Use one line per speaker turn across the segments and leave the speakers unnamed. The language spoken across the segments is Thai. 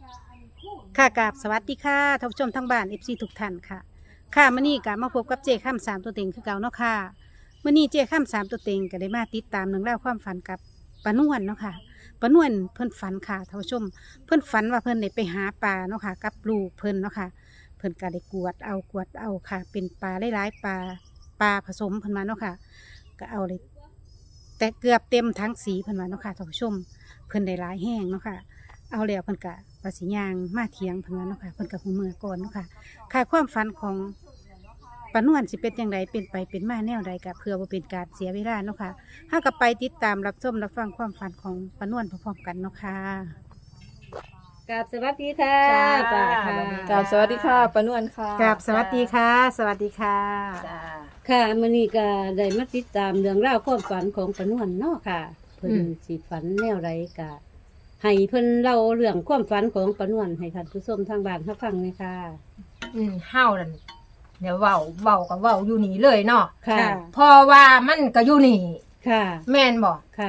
ค่ะกราบสวัสดีค่ะท่านผู้ชมทั้งบ้านFCทุกท่านค่ะค่ะมื้อนี้ก็มาพบกับเจ้ข้ามสามตัวเต็งคือเก่าเนาะค่ะมื้อนี้เจ้ข้ามสามตัวเต็งก็ได้มาติดตามเรื่องราวความฝันกับป้านวลเนาะค่ะป้านวลเพิ่นฝันค่ะท่านผู้ชมเพิ่นฝันว่าเพิ่นได้ไปหาปลาเนาะค่ะกับลูกเพิ่นเนาะค่ะเพิ่นก็ได้กวดเอาค่ะ เป็นปลาหลายๆปลาผสมเพิ่นมาเนาะค่ะก็เอาเลยแต่เกือบเต็มทั้งสีเพิ่นมาเนาะค่ะท่านผู้ชมเพิ่นได้หลายแห้งเนาะค่ะ เอาแล้วเพิ่นกะว่าสิย่างมาเถียงเพิ่นว่าเนาะค่ะเพิ่นกะหูเมื่อก่อนเนาะค่ะค่ะความฝันของป้านวลสิเป็นจังไดเป็นไปเป็นมาแนวใดกะเพื่อบ่เป็นการเสียเวลาเนาะค่ะเฮาก็ไปติดตามรับชมรับฟังความฝันของป้านวลพร้อมๆกันเนาะค่ะ
กราบสวัสดีค่ะ
จ้า
ป้าค่ะ
กราบสวัสดีค่ะป้านวลค่ะ
กับสวัสดีค่ะ สวัสดีค่ะ
จ้า
ค่ะมื้อนี้ก็ได้มาติดตามเรื่องราวความฝันของป้านวลเนาะค่ะ เพิ่นสิฝันแนวใดก็ให้เพิ่นเล่าเรื่องความฝันของป้านวลให้ท่านผู้ชมทางบ้านรับฟังเลยค่ะ
เฮานั่นเดี๋ยวเว้าก็เว้าอยู่นี่เลยเนาะ
ค่ะ
เพราะว่ามันก็อยู่นี่
ค่ะ
แม่นบ่
ค่ะ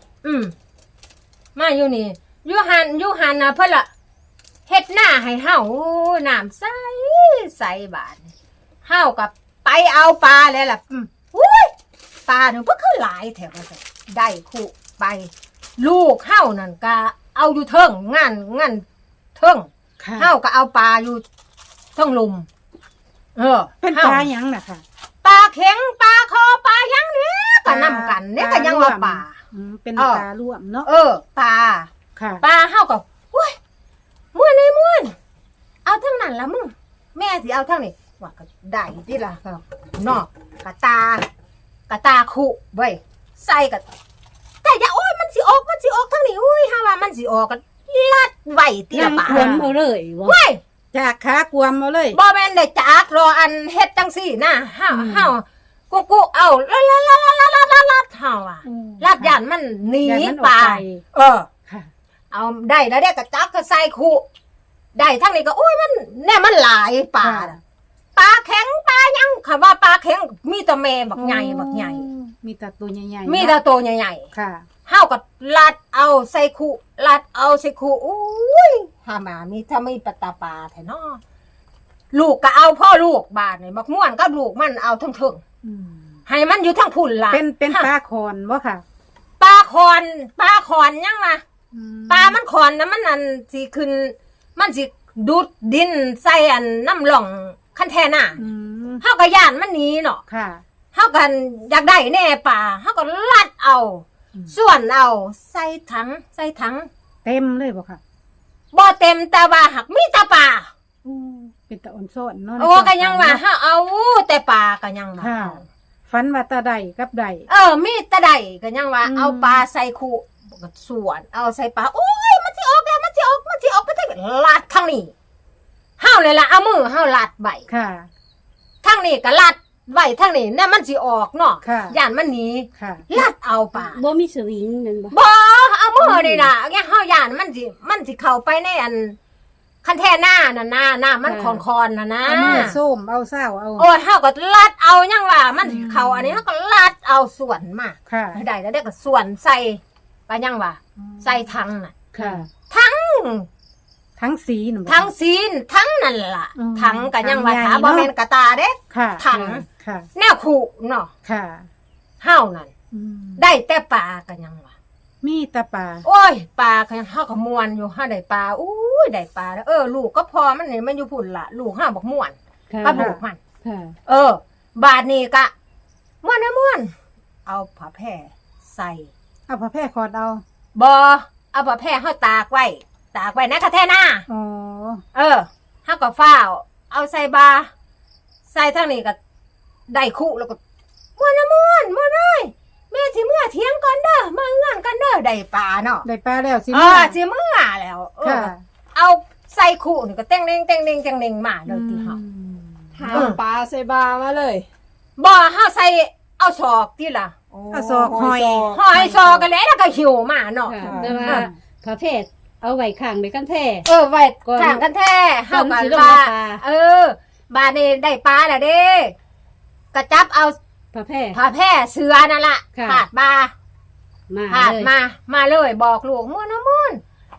มาอยู่นี่อยู่หันน่ะเพิ่นละเฮ็ดหน้าให้เฮาน้ำใสบาดนี่เฮากับไปเอาปลาแล้วล่ะอุ้ยปลานึงเพิ่นคือหลายแถวว่าซั่นได้คู่ไป ลูกเฮานั่นก็เอาอยู่เทิงงานเทิง
ค่ะ
เฮาก็เอาปลาอยู่เทิงลุม
เป็นปลาหยังน่ะค่ะ
ปลาเข็งปลาคอปลาหยังเนี่ยก็นำกันเนี่ยก็ยังว่าปลา
เป็น
เออ
ปลาร่วมเนาะ
ปลา
ค่ะ
ปลาเฮาก็อุ้ยม่วนเอาทั้งนั้นละมึงแม่สิเอาทั้งนี้ว่าก็ได้ติล่ะก็เนาะกะตาคุเว้ยใส่ก็แต่อย่าโอ้ยมันสิออกทั้งนี้อุ้ยหาว่ามันสิออกก็ลัดไว้ติละปลา
ควรเอาเลยบ่
เว้ย
จากขากวมมาเลย
บ่แม่นได้จากรออันเฮ็ดจังซี่นะเฮากูเอาลัดเฮาอ่ะลัดย่านมันหนี
ย่านมันออก
ปลา
ไป ค่ะ
เอาได้แล้วเด้ก็จับก็ใส่คุได้ทั้งนี้ก็โอ้ยมันแน่มันหลายปลาน่ะปลาแข็งปลายังคำว่าปลาแข็งมีแต่แม่บักใหญ่
มีแต่ตัวใหญ่ๆ
มีแต่ตัวใหญ่
ค่ะ
ๆเฮาก็ลัดเอาใส่คุลัดเอาใส่คุอุ้ยหามามีถ้าไม่ปตาปลาแท้เนาะลูกก็เอาพ่อลูกบาดนี่บักม่วนกับลูกมันเอาทั้งถึงให้มันอยู่ทั้งพุ่นล่ะ
เป็นปลาคอนบ่ค่ะ
ปลาคอนยังวะปลามันคอนนะมันอันสิขึ้นมันสิดูดดินใส่อันน้ำหล่องคันแทน่ะเฮาก็ย่านมันหนีเนาะ
ค่ะ
เฮากันอยากได้แน่ปลาเฮาก็ลัดเอาส่วนเอาใส่ถัง
เต็มเลยบ่ค่ะ
บ่เต็มแต่ว่าหักมีแต่ปลา
เป็นตะอ่อนโซนเนาะ
โอ้ก็ยังว่าเฮาเอาแต่ปลาก็ยังว่า
ค่ะฝันว่าตาใดกับใด
มีแต่ใดก็ยังว่าเอาปลาใส่คุก็ส่วนเอาใส่ปลาโอ้ยมันสิออกแล้วมันสิออกไปทั้งลัดทางนี้เฮาเลยล่ะเอามือเฮาลัดไว้
ค่ะ
ทางนี้ก็ลัดไว้ทางนี้เนี่ยมันสิออกเนาะ
ค่ะ
ย่านมันหนี
ค่ะ
ลัดเอาปลา
บ่มีสวิงแม่นบ่
บ่เอามือนี่น่ะเนี่ยเฮาย่านมันสิเข้าไปในอันคันแท่หน้าน่ะหน้ามันคอนๆน่ะนะ
เอามือส้มเอาเศร้าเอา
โอ้ยเฮาก็ลัดเอายังว่ามันสิเข้าอันนี้เฮาก็ลัดเอาส่วนมา
ค่ะ
ได้แล้วก็ส่วนใส่ไปยังว่าใส่ถังน่ะ
ค่ะ
ทั้ง
สีหนู
ทั้งซีนทั้งนั่นล่ะ
อืม
ทั้งก็ยังว่า
ทั้งใหญ่
ถาบ่
เนาะ
แม่นกระตาเด้
ค่ะ
ถัง
ค่ะ
แนวขู่เนาะ
ค่ะ
เฮานั่นได้แต่ปลาก็ยังว่า
มีแตาปลา
โอ้ยปลาก็ยังเฮาก็ม่วนอยู่เฮาได้ปลาอู้ยได้ปลาแล้วลูกก็พอมันนี่มันอยู่พุ่นล่ะลูกเฮาบักม่วน
ค่ะ
กับลูกมัน
ค่ะ
บาดนี้ก็ม่วนเอาผ้าแพร่ใส่
เอาผ้าแพร่คอดเอา
บ่เอาผ้าแพร่เฮาตากไว้นะคะแท่หน้า
อ๋อ
เฮาก็ฟ้าวเอาใส่บาใส่ทางนี้ก็ได้คู่แล้วก็ม่วนเอ้ยแม่สิเมื่อเที่ยงก่อนเด้อมาเงื่อนกันเด้อได้ปลาเนาะ
ได้ปลาแล้วสิ
สิเมื่อแล้ว
ค่ะ
เอาใส่คู่นี่ก็เต้งเน่งมาเลยที่เฮา
หาปลาใส่บามาเลย
บ่เฮาใส่เอาศอกที่ล่ะ
เอาศอกหอย
หอยศอกกันแล้วก็หิวมาเนาะ
ค่ะแต่ว่าพระเพศเอาไว้ข้างไปกันแท้
ไว้ข้างกันแท้เฮา
ก่อน
ก็
สิลง
ว่า
มาปลา
บาดนี้ได้ปลาแล้วเด้กระจับเอา
พระเพศ
ผ้าแพร่เสือนั่นล่ะ
ค่ะ
ผาดมา
มา
ผาด
เลย
มาเลยบอกลูกม่วน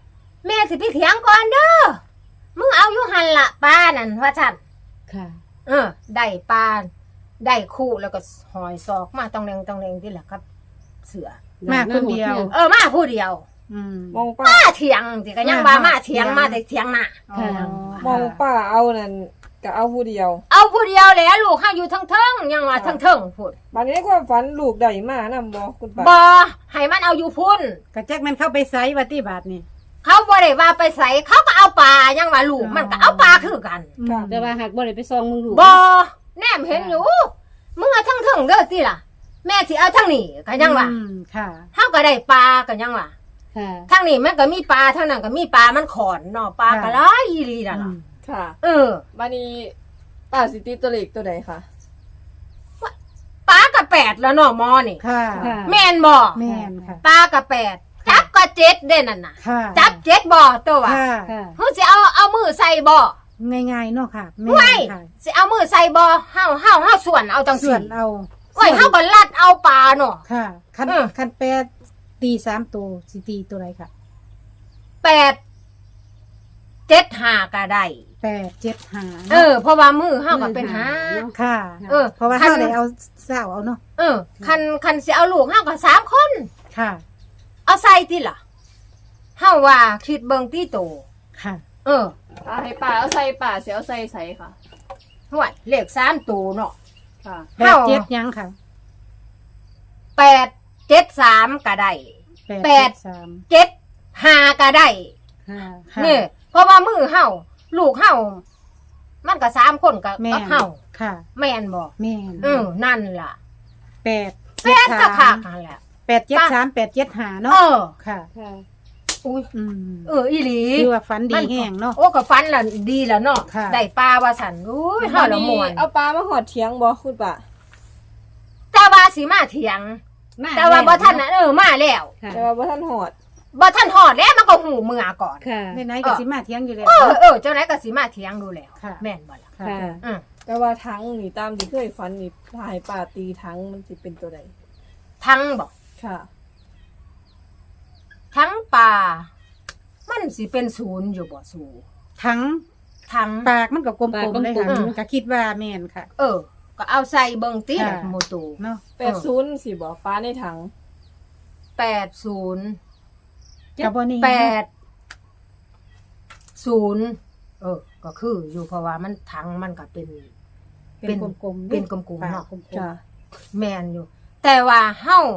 แม่สิไปเถียงก่อนเด้อมึงเอาอยู่หันละปลานั่นว่าฉัน
ค่ะ
ได้ปลาได้คู่แล้วก็หอยซอกมาตองแรงที่แหละครับ เสือ
มาคนเดียว
มาผู้เดียว
อืม
มองป้า
มาเถียงสิก็ยังว่ามาเถียงมาแต่เถียงน่ะ
อ๋อ
มองป้าเอานั่นก็เอาผู้เดียว
เอาผู้เดียวแหละลูกข้าอยู่ทั้งเทิงยังว่าทั้งเทิงพูด
บัดนี้ในความฝันลูกได้มานำบ่คุณป้า
บ่ให้มันเอาอยู่พุ่น
กระแจกมันเข้าไปไซวัติบาทนี่
เขาบ่ได้ว่าไปใส่เขาก็เอาปลายังว่าลูกมันก็เอาปลาคือกัน
ค่ะ
แต่ว่าหากบ่ได้ไปซองมึงดู
บ่แนมเห็นอยู่มึงเอาทั้งเทิงเด้อติล่ะ แม่สิเอาทั้งนี้ก็ยังว่า
อืมค่ะ
เฮาก็ได้ปลาก็ยังว่า
ค่ะ
ทั้งนี้มันก็มีปลาทั้งนั้นก็มีปลามันขอนเนาะปลาก็หลายอีหลีน่ะ
อื
ล่ะ
ม
ค่ะ
เออ
บัดนี้ป้าสิติตัวเลขตัวใดคะ
ปลาก็8แล้วเนาะหมอนี่
ค่ะ
ค่ะ
แม่นบ่
แม่นค่ะ
ปลาก็8จับก็7เด้นั่นน่ะ
ค่ะ
จับ7บ่ตัวว่า
ค่ะ
ค่ะ
เฮาสิเอามือใส่บ่
ง่ายๆเนาะค่ะแม่
ไว้
นค่ะ
สิเอามือใส่บ่เฮาส่วนเอาจัง
ส่
ซี่
วนเอา
โอ้ยเฮาก็ลัดเอาปลาเนาะ
ค่ะคัน
เออ
คันแปดตี3ตัวสิตีตัวไรค่ะ
8 7 5ก็ได้
8 7 5
เพราะว่ามือเฮาก็เป็นหา
ค่ะ
เออ
เพราะว่า
คัน
เฮาได้เอาเศร้าเอาเนาะ
คันสิเอาลูกเฮาก็3คน
ค่ะ
เอาใส่ติล่ะเฮาว่าคิดเบิ่งตีโต
ค่ะ
ป้าให้ป้าเอาใส่ป้าสิเอาใส่ใส่ค่ะ
ห่วยเลข3ตัวเนาะ
ค่ะ
แปดเจ็ดยังค่ะ
8 7 3ก็ได้
แปด
7 5ก็ได้
ค่ะค่ะ
นี่เพราะว่ามือเฮาลูกเฮามันก็3คนกับ
แม่น
เฮา
ค่ะ
แม่นบ่
แม่น
นั่นล่ะ
แปด
แม่นก็คักนั่นแหละ
8 7 3 8 7 5เนาะค่ะ
ค่ะ
อุ้ย
อืม
อีหลี
คือว่าฝันดีแห้งเนาะ
โอ้ก็ฟันละดีแล้วเนาะ
ค่ะ
ได้ปลาว่าสันอุ้ยเฮาละม่วน
เอาปลามาหอดเถียงบ่คุณป้า
แต่ว่าสิมาเถียง แต่ว่าบ่ทันน่ะมาแล้ว
ค่ะ
แต่ว่าบ่ทันหอด
บ่ทันฮอดแล้วมันก็หูเมื่อก่อน
ค่ะ
ในไหนๆก็สิมาเที่ยงอยู่แล้ว
เจ้าไหนก็สิมาเถียงดูแล้ว
ค่ะ
แม่นบ่ล่ะ
ค่ะ
ค่ะ
อืม
แต่ว่าทั้งนี่ตามที่เคยฝันนี่ถ้าให้ป้าตีทั้งมันสิเป็นตัวใด
ทั้งบ่
ค่ะ
ทั้งปลามันสิเป็นศูนย์อยู่บ่สู
ทั้ง
ทั้ง
ปากมันก็กล
ปาก
มๆเลยค่ะ
กลมๆ
ก็คิดว่าแม่นค่ะ
ก็เอาใส่เบิ่งติ
ค่ะ
หมตู
เนาะ
80สิบ่ปลาในถัง
80
ก็บ่นี่
80ก็คืออยู่เพราะว่ามันทั้งมันก็เป็น
เป็นกลมๆ
เป็นกลมๆ
ปาก
เนาะ
กลม
ค่ะ
แม่นอยู่ แต่ว่าเฮา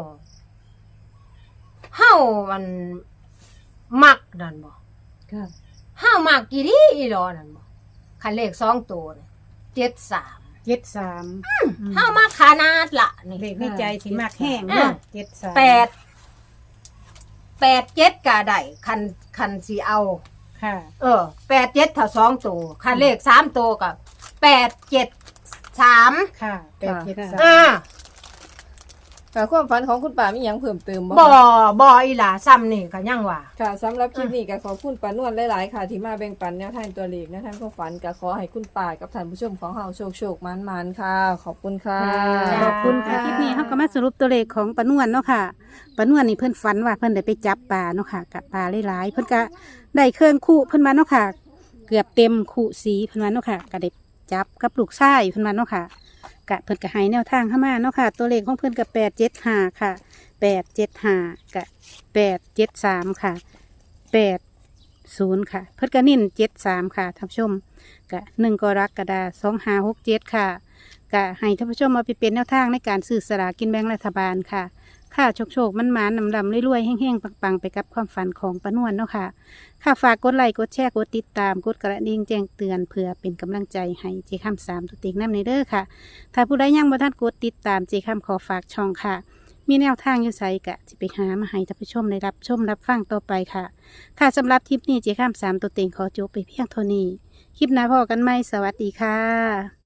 มันมักนั่นบ่
ค่ะ
เฮามักกี่ดีอีหลอนั่นบ่คันเลข2ตัวนี่73
ๆ73
เฮามักขนาดละนี่
เลขในใจสิมากแห้งเนาะ73
7ก็ได้คันสิเอา
ค่ะ
87ถ้า2ตัวคันเลข3ตัวก็873
ค่ะ
ค่ะ
873
ค่ะความฝันของคุณป้ามีหยังเพิ่มเติมบ่
บ่อีหล่าซ้ำนี่ก็ยังว่า
ค่ะสำหรับคลิปนี้ก็ขอบคุณป้านวลหลายๆค่ะ ที่มาแบ่งปันแนวทางตัวเลขแนวทางความฝันก็ขอให้คุณป้ากับท่านผู้ชมของเราโชคๆมันๆค่ะ ขอบคุณค่ะ
จ้า
ขอบคุณค่ะคลิปนี้เขาก็มาสรุปตัวเลขของปานวลเนาะค่ะปานวลนี่เพิ่นฝันว่าเพิ่นได้ไปจับปลาเนาะค่ะกับปลาหลายๆเพิ่นก็ได้เครื่องคู่เพิ่นมาเนาะค่ะ เกือบเต็มคู่สีเพิ่นมาเนาะค่ะก็ได้จับกับลูกชายเพิ่นมาเนาะค่ะกะเพิ่นก็ให้แนวทางเข้ามาเนาะค่ะ ตัวเลขของเพิ่นก็875ค่ะ875กับ873ค่ะ80ค่ะ เพิ่นก็นิ่น73ค่ะท่านผู้ชมกะ1กรกฎาคม2567ค่ะ ก็ให้ท่านผู้ชมมาไปเป็นแนวทางในการซื้อสลากกินแบ่งรัฐบาลค่ะ ค่ะโชคมันๆนำๆรวยๆแห้งๆปังๆไปกับความฝันของปานวลเนาะค่ะ ค่ะฝากกดไลค์กดแชร์กดติดตามกดกระดิ่งแจ้งเตือนเพื่อเป็นกำลังใจให้เจคำ3ตัวเต็งน้ำในเด้อค่ะ ถ้าผู้ใดยังบ่ทันกดติดตามเจคำขอฝากช่องค่ะ มีแนวทางอยู่ไสกะจะไปหามาให้ท่านผู้ชมได้รับชมรับฟังต่อไปค่ะ ค่ะสำหรับคลิปนี้เจคำ3ตัวเต็งขอจบไปเพียงเท่านี้ คลิปหน้าพอกันไหมสวัสดีค่ะ